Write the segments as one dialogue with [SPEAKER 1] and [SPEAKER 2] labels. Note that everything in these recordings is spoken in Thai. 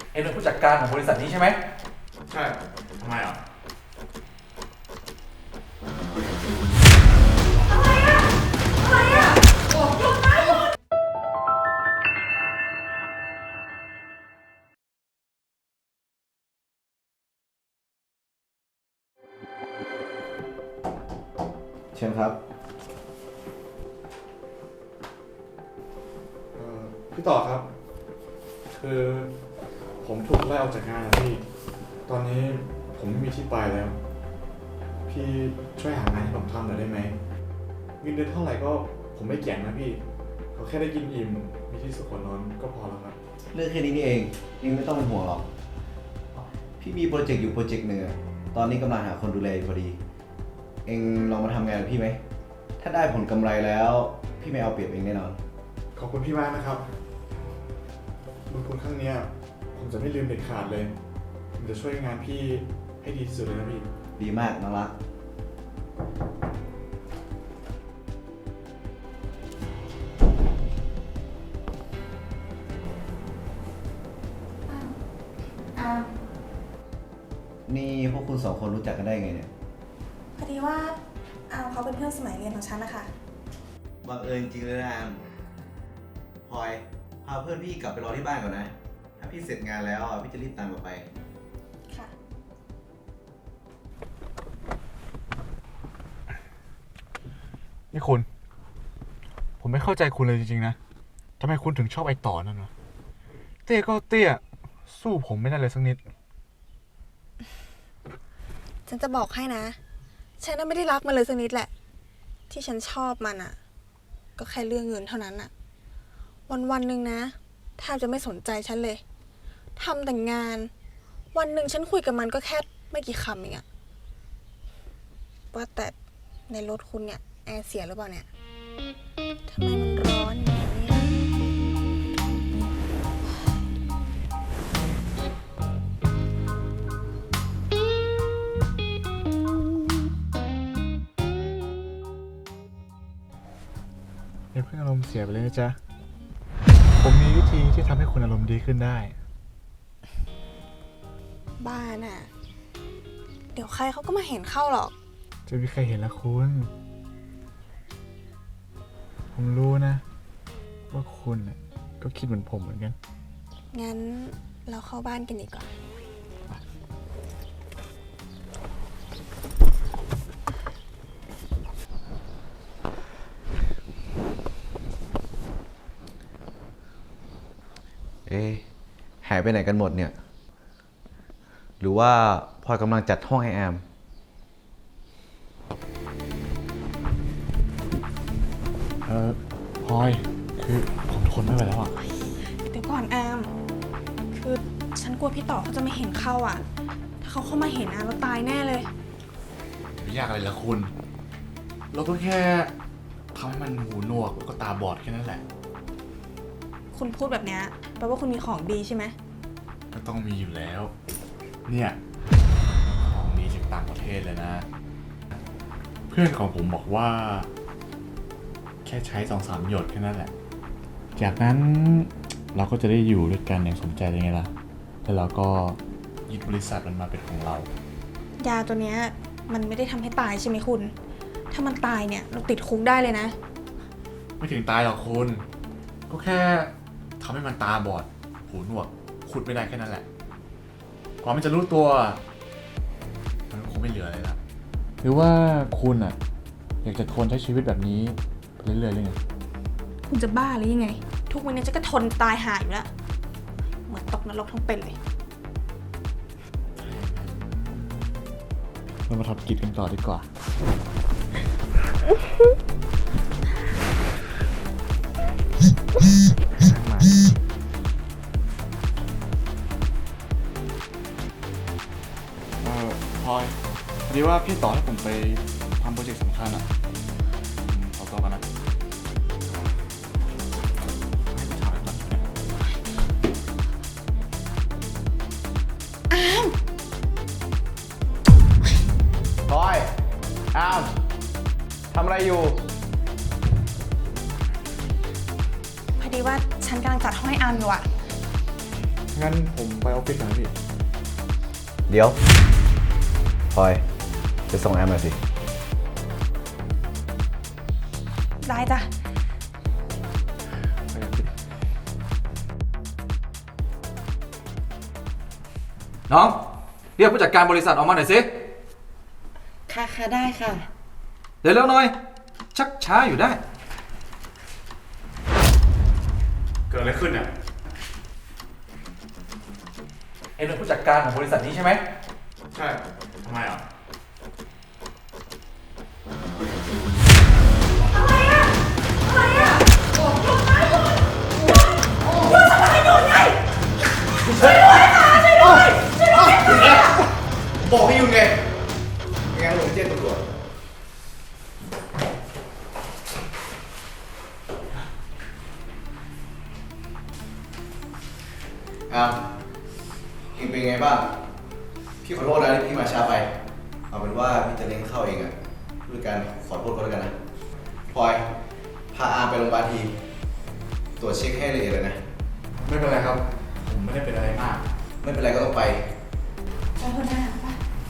[SPEAKER 1] เอ็งเป็นผู้จัดการของบริษัทนี้ใช่ไหม
[SPEAKER 2] ใช่ทำไมอ่ะ
[SPEAKER 3] เชิญครับ
[SPEAKER 2] พี่ต่อครับ คือผมถูกไล่ออกจากงานนะพี่ ตอนนี้ผมไม่มีที่ไปแล้ว พี่ช่วยหางานให้ผมทำหน่อยได้ไหมเงินเดือนเท่าไหร่ก็ผมไม่เกี่ยงนะพี่เขาแค่ได้กินอิ่มมีที่สุขนอนก็พอแล้วครับ
[SPEAKER 3] เรื่องแค่นี้นี่เองไม่ต้องเป็นห่วงหรอกพี่มีโปรเจกต์อยู่โปรเจกต์หนึ่งตอนนี้กำลังหาคนดูแลอยู่พอดีเองลองมาทำงานกับพี่ไหมถ้าได้ผลกำไรแล้วพี่ไม่เอาเปรียบเองแน่นอน
[SPEAKER 2] ขอบคุณพี่มากนะครับบุญคุณครั้งนี้ผมจะไม่ลืมเด็ดขาดเลยผมจะช่วยงานพี่ให้ดีที่สุดเลยนะพี่
[SPEAKER 3] ดีมากน้องรักนี่พวกคุณสองคนรู้จักกันได้ไงเนี่ย
[SPEAKER 4] พอดีว่าเขาเป็นเพื่อนสมัยเรียนของฉันนะคะ
[SPEAKER 3] บังเอิญจริงเลยนะพลอยพาเพื่อนพี่กลับไปรอที่บ้านก่อนนะถ้าพี่เสร็จงานแล้วพี่จะรีบตามกลับไป
[SPEAKER 4] ค่ะ
[SPEAKER 2] นี่คุณผมไม่เข้าใจคุณเลยจริงๆนะทำไมคุณถึงชอบไอ้ต่อนั่นวะเตี้ยก็เตี้ยสู้ผมไม่ได้เลยสักนิด
[SPEAKER 4] ฉันจะบอกให้นะฉันไม่ได้รักมันเลยสักนิดแหละที่ฉันชอบมันอ่ะก็แค่เรื่องเงินเท่านั้นอ่ะวันหนึ่งนะแทบจะไม่สนใจฉันเลยทำแต่งานวันหนึ่งฉันคุยกับมันก็แค่ไม่กี่คำเองอะว่าแต่ในรถคุณเนี่ยแอร์เสียหรือเปล่าเนี่ยทำไมมันร้อนอย่างนี้
[SPEAKER 2] อย่าเพิ่งอารมณ์เสียไปเลยนะจ๊ะผมมีวิธีที่ทำให้คุณอารมณ์ดีขึ้นได้
[SPEAKER 4] บ้าน่ะเดี๋ยวใครเขาก็มาเห็นเข้าหรอก
[SPEAKER 2] จะมีใครเห็นละคุณผมรู้นะว่าคุณก็คิดเหมือนผมเหมือนกัน
[SPEAKER 4] งั้นเราเข้าบ้านกันดีกว่า
[SPEAKER 3] หายไปไหนกันหมดเนี่ยหรือว่าพลอยกำลังจัดห้องให้แอม
[SPEAKER 2] พลอยคือผมทนไม่ไหวแล้วอ่ะ
[SPEAKER 4] เดี๋ยวก่อนแอมคือฉันกลัวพี่ต่อเขาจะไม่เห็นเข้าอ่ะถ้าเขาเข้ามาเห็นเราตายแน่เลย
[SPEAKER 2] ไม่ยากอะไรละคุณเราก็แค่ทำให้มันหูหนวกแล้วก็ตาบอดแค่นั้นแหละ
[SPEAKER 4] คุณพูดแบบนี้แปลว่าคุณมีของดีใช่ไหม
[SPEAKER 2] ก็ต้องมีอยู่แล้วเนี่ยของดีจากต่างประเทศเลยนะเพื่อนของผมบอกว่าแค่ใช้ 2-3 หยดแค่นั้นแหละจากนั้นเราก็จะได้อยู่ด้วยกันอย่างสมใจเลยไงล่ะแล้วเราก็ยึดบริษัทมันมาเป็นของเรา
[SPEAKER 4] ยาตัวเนี้ยมันไม่ได้ทำให้ตายใช่ไหมคุณถ้ามันตายเนี่ยเราติดคุกได้เลยนะ
[SPEAKER 2] ไม่ถึงตายหรอกคุณก็แค่ทำให้มันตาบอดหูหนวกขุดไม่ได้แค่นั้นแหละกว่ามันจะรู้ตัวมันคงไม่เหลืออะไรละหรือว่าคุณอยากจะทนใช้ชีวิตแบบนี้ไปเรื่อยๆเลยไง
[SPEAKER 4] คุณจะบ้าหรือยังไงทุกวันนี้จะก็ทนตายหายอยู่แล้วเหมือนตกนรกทั้งเป็นเลย
[SPEAKER 2] เรามาทำกิจกันต่อดีกว่าพลอยพอดีว่าพี่ต่อให้ผมไปทำโปรเจกต์สำคัญขอตัวกันนะ
[SPEAKER 3] พลอยอ้าวทำอะไรอยู่
[SPEAKER 4] พอดีว่าฉันกำลังจัดห้องให้อามอยู่อะ
[SPEAKER 2] งั้นผมไปออฟฟิศก่อนนะพี่
[SPEAKER 3] เดี๋ยวพลอยไปส่งแอมหน่อยสิ
[SPEAKER 4] ได้จ้ะ
[SPEAKER 2] ไปออฟฟิศ
[SPEAKER 1] น้อง เรียกผู้จัดการบริษัทออกมาหน่อยสิ
[SPEAKER 5] ค่ะค่ะได้ค่ะ
[SPEAKER 1] เดี๋ยวเร็วหน่อย ชักช้าอยู่ได้
[SPEAKER 2] เกิดอะไรขึ้นอ่ะ
[SPEAKER 1] เอ็งเป็นผู้จัดการของบริษัทนี้ใช่ไหม
[SPEAKER 2] ใช่ทำไมอ่ะ
[SPEAKER 3] บอกให้หยุดไงไม่งั้นผมจะแจ้งตำรวจเองเป็นไงบ้าง พี่ขอโทษนะที่พี่มาช้าไป เอาเป็นว่าพี่จะเลี้ยงข้าวเองอะด้วยการขอโทษก็แล้วกันนะพลอย พาอาร์มไปโรงพยาบาลที ตรวจเช็คให้ละเอียดเลยนะ
[SPEAKER 2] ไม่เป็นไรครับ ผมไม่ได้เป็นอะไรมาก
[SPEAKER 3] ไม่เป็นไรก็ต้องไป
[SPEAKER 5] ไปคนหน้าไป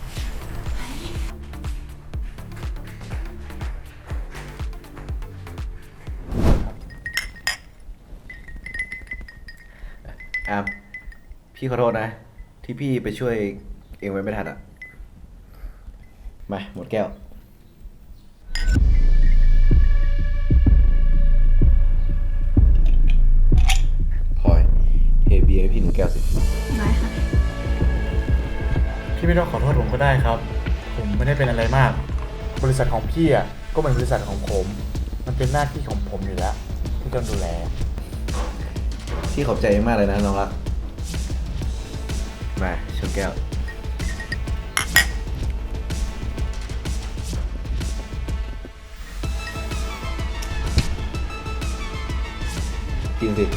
[SPEAKER 3] อามพี่ขอโทษนะ ที่พี่ไปช่วยเองไว้ไม่ทันอ่ะ มาหมดแก้วพลอยเทเบียร์ให้พี่หนึ่งแก้วสิ
[SPEAKER 4] ได้ค่ะ
[SPEAKER 2] พี่ไม่ต้องขอโทษผมก็ได้ครับ ผมไม่ได้เป็นอะไรมาก บริษัทของพี่อ่ะก็เหมือนบริษัทของผม มันเป็นหน้าที่ของผมอยู่แล้วที่ต้องดูแล
[SPEAKER 3] พี่ขอบใจมากเลยนะน้องรัก มาชนแก้ว กินสิ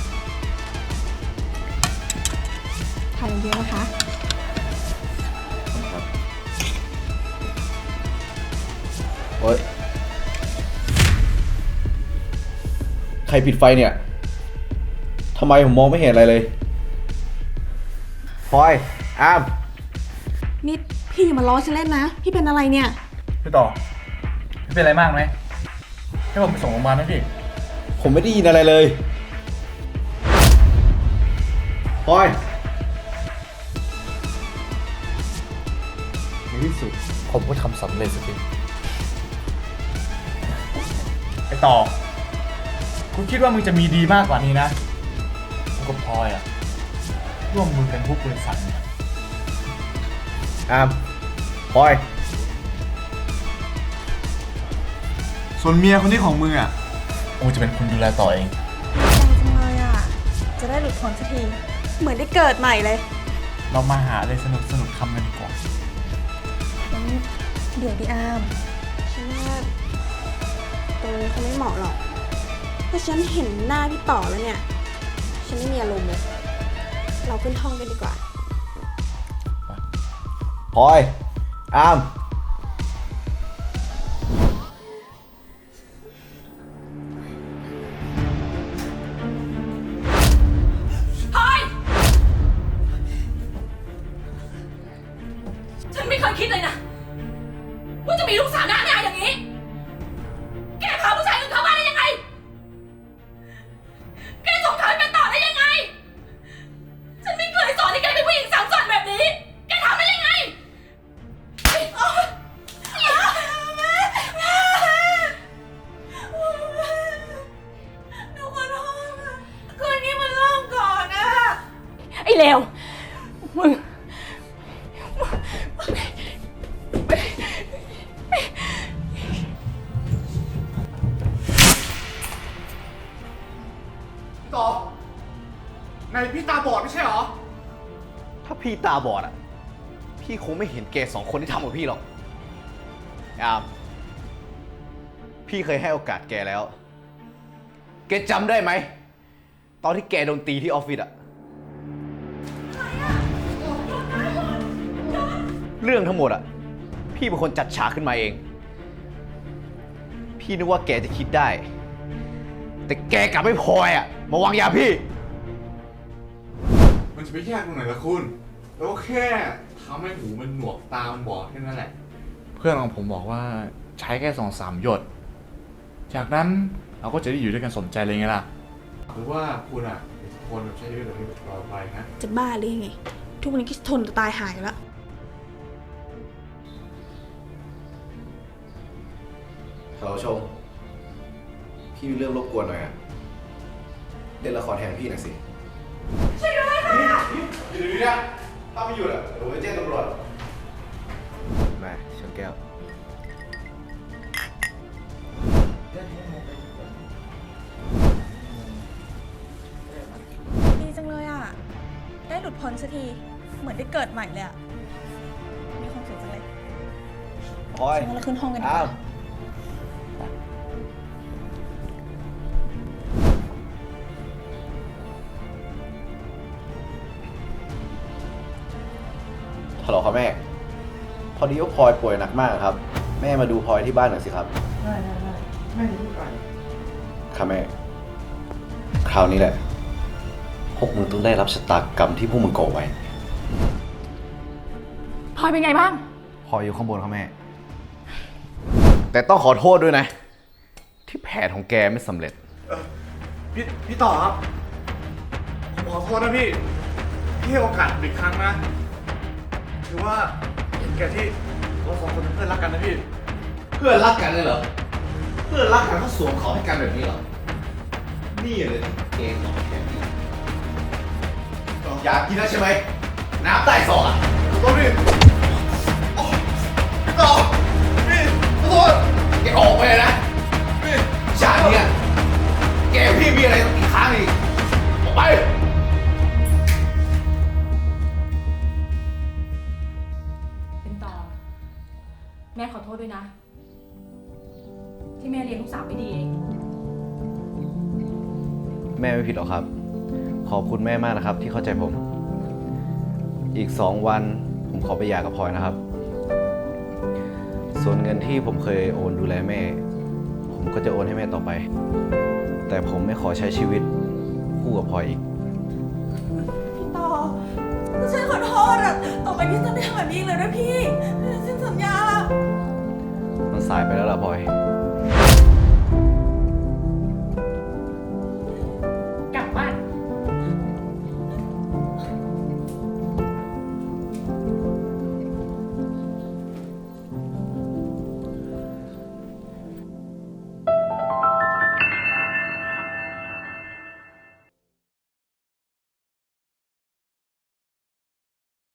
[SPEAKER 4] ถ่ายเยอะนะคะ
[SPEAKER 3] ครับโอ๊ย ใครปิดไฟเนี่ย ทำไมผมมองไม่เห็นอะไรเลยพลอยอาม
[SPEAKER 4] นี่พี่อย่ามาล้อฉันเล่นนะ พี่เป็นอะไรเนี่ย
[SPEAKER 2] พี่ต่อพี่เป็นอะไรมากไหมให้ผมไปส่งโรงพยาบาลไหมพี่
[SPEAKER 3] ผมไม่ได้ยินอะไรเลยพลอย
[SPEAKER 2] ในที่สุดผมก็ทำสำเร็จสักทีไอต่อคุณคิดว่ามึงจะมีดีมากกว่านี้นะกูกับพลอยอะร่วมมือกันทุกบริษัทเนี่ย
[SPEAKER 3] อามพลอย
[SPEAKER 2] ส่วนเมียคนนี้ของมึงอะกูจะเป็นคนดูแลต่อเอง
[SPEAKER 4] ใจจังเลยอ่ะ จะได้หลุดพ้นสักที เหมือนได้เกิดใหม่เลย
[SPEAKER 2] เรามาหาอะไรสนุกๆทำกันดีกว่า
[SPEAKER 4] งั้นเดี๋ยวดิอามฉันว่าตรงนี้เขาไม่เหมาะหรอก เพราะฉันเห็นหน้าพี่ต่อแล้วเนี่ย ฉันไม่มีอารมณ์เลย เราขึ้นห้องกันดีกว่า
[SPEAKER 3] พลอย อาม
[SPEAKER 5] พลอย ฉันไม่เคยคิดเลยนะว่าจะมีลูกสาวหน้าหน้าอย่างนี้ แกพาผู้ชายอื่นเข้าบ้านได้ยังไง แกส่งเธอเป็นต่อได้ยังไง ฉันไม่เคยสอนให้แกเป็นผู้หญิงสามส่วนแบบนี้ แกทำได้ยังไงหนูขอโทษนะคืนนี้มันเริ่มก่อนนะไอ้เลวมึง
[SPEAKER 2] ต่อในพี่ตาบอดไม่ใช่หรอ
[SPEAKER 3] ถ้าพี่ตาบอดอ่ะ พี่คงไม่เห็นแกสองคนที่ทำกับพี่หรอก อาม พี่เคยให้โอกาสแกแล้ว แกจำได้ไหม ตอนที่แกโดนตีที่ออฟฟิศอะเรื่องทั้งหมดอะพี่เป็นคนจัดฉากขึ้นมาเอง พี่นึกว่าแกจะคิดได้ แต่แกกลับไม่พออะมาวางยาพี่
[SPEAKER 2] ไมันจะไปยากตรงไหนล่ะคุณแล้วก็แค่ทำให้หูมันหนวกตามันบอดแค่นั้นแหละ เพื่อนของผมบอกว่าใช้แค่2-3 หยด จากนั้นเราก็จะได้อยู่ด้วยกันสมใจเลยไงล่ะ หรือว่าคุณอ่ะคนแบบใช้ชีวิตแบบนี้ตลอดไปนะ
[SPEAKER 4] จะบ้าหรือยังไง ทุกวันนี้ก็ทนจะตายหายแล้ว
[SPEAKER 3] ฮัลโหลชม พี่มีเรื่องรบกวนหน่อยอะเล่นละครแทนพี่หน่อยสิ ช่วยด้วยค่ะอยู่ดีๆนะถ้าไม่หยุดอะเดี๋ยวผมจะแจ้งตำรวจมาชนแก้ว
[SPEAKER 4] ดีจังเลยอ่ะ ได้หลุดพ้นสักที เหมือนได้เกิดใหม่เลยอ่ะ มีความสุขจังเลย
[SPEAKER 3] พลอย
[SPEAKER 4] งั้นเราขึ้นห้องกันดีก
[SPEAKER 3] อ้า
[SPEAKER 4] ว่า
[SPEAKER 3] วฮัลโหลครับแม่ พอดีว่าพลอยป่วยหนักมากครับ แม่มาดูพลอยที่บ้านหน่อยสิครับ ได้แม่จะพูดก่อนค่ะแม่ คราวนี้แหละ พวกมึงต้องได้รับชะตากรรมที่พวกมึงก่อไว้
[SPEAKER 5] พลอยเป็นไงบ้าง
[SPEAKER 3] พลอยอยู่ข้างบนครับแม่ แต่ต้องขอโทษด้วยนะ ที่แผนของแกไม่สำเร็จ
[SPEAKER 2] พี่ต่อครับ ผมขอโทษนะพี่ พี่ให้โอกาสผมอีกครั้งนะ ถือว่าเห็นแก่ที่เรา2 คนเป็นเพื่อนรักกันนะพี่
[SPEAKER 3] เพื่อนรักกันเลยเหรอ เพื่อนรักกันเขาสวมเขาให้กันแบบนี้เหรอ นี่เลยเกมของแกนี่อยากกินแล้วใช่ไหม น้ำใต้ซอกอ่ะ
[SPEAKER 2] ขอโทษพี่พี่ต่อพี่ขอโทษ
[SPEAKER 3] แกออกไปเลยนะชาติเนี้ยแกกับพี่มีอะไรต้องอีกครั้งอีกออกไป
[SPEAKER 5] เป็นต่อ แม่ขอโทษด้วยนะ ที่แม่เลี้ยงลูกสาวไม่ดีเอง
[SPEAKER 3] แม่ไม่ผิดหรอกครับ ขอบคุณแม่มากนะครับ ที่เข้าใจผม อีก 2 วันผมขอไปหย่ากับพลอยนะครับ ส่วนเงินที่ผมเคยโอนดูแลแม่ ผมก็จะโอนให้แม่ต่อไป แต่ผมไม่ขอใช้ชีวิตคู่กับพลอยอีก
[SPEAKER 4] พี่ต่อฉันขอโทษอ่ะ ต่อไปพี่จะไม่ทำแบบนี้อีกเลยนะพี่ ฉันสัญญา
[SPEAKER 3] มันสายไปแล้วล่ะพลอย